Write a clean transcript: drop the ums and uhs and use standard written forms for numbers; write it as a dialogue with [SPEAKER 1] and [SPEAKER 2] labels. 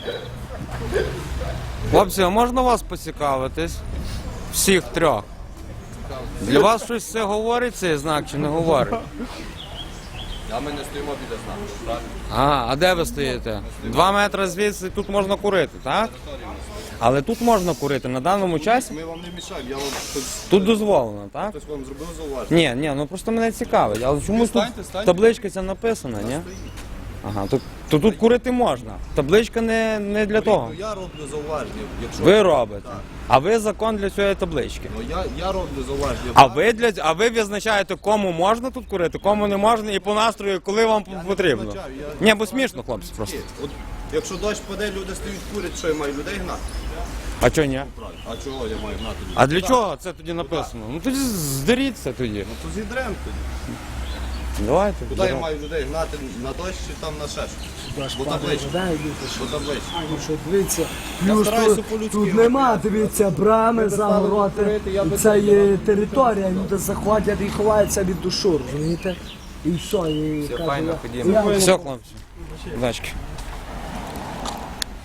[SPEAKER 1] Хлопці, а можна вас поцікавитись? Всіх трьох. Для вас щось це говорить, цей знак, чи не говорить?
[SPEAKER 2] А ми не стоїмо біля знаку, правильно?
[SPEAKER 1] А де ви стоїте? 2 метри звідси, тут можна курити, так? Але тут можна курити, на даному часі
[SPEAKER 2] Ми вам не мішаємо, я вам
[SPEAKER 1] тут дозволено, так?
[SPEAKER 2] хтось вам зробив зауваження.
[SPEAKER 1] Ні, ну просто мене цікавить. Але чомусь тут
[SPEAKER 2] Станьте.
[SPEAKER 1] табличка ця написана, ні? Ага, то тут курити можна. Табличка не для того.
[SPEAKER 2] Ну, я роблю зауваження, якщо...
[SPEAKER 1] Ви робите. А ви закон для цієї таблички.
[SPEAKER 2] Ну, я роблю зауваження.
[SPEAKER 1] А ви визначаєте, кому можна тут курити, кому не можна, і по настрою, коли вам потрібно.
[SPEAKER 2] визначаю,
[SPEAKER 1] Ні, бо смішно, хлопці, просто.
[SPEAKER 2] От, якщо дощ паде, люди стоять курять, що я маю людей гнати?
[SPEAKER 1] А чого ні?
[SPEAKER 2] А чого я маю гнати людей?
[SPEAKER 1] А для чого це тоді написано? Ну тоді здеріться тоді.
[SPEAKER 2] Ну то зідрем тоді.
[SPEAKER 1] Давайте.
[SPEAKER 2] Куди я маю людей гнати? На дощ чи там на ще щось? Бо табличка. Бо табличка.
[SPEAKER 3] Що дивіться,
[SPEAKER 2] Я
[SPEAKER 3] плюс
[SPEAKER 2] стараюся
[SPEAKER 3] тут,
[SPEAKER 2] по-людськи
[SPEAKER 3] тут
[SPEAKER 2] робити.
[SPEAKER 3] нема, дивіться, брами, загороти, і це є територія, люди заходять і ховаються від душу, розумієте? І все, і
[SPEAKER 1] Все
[SPEAKER 3] кажуть,
[SPEAKER 1] файно,
[SPEAKER 3] я-
[SPEAKER 1] ходімо.
[SPEAKER 3] я-
[SPEAKER 1] Все, хлопці. Удачки.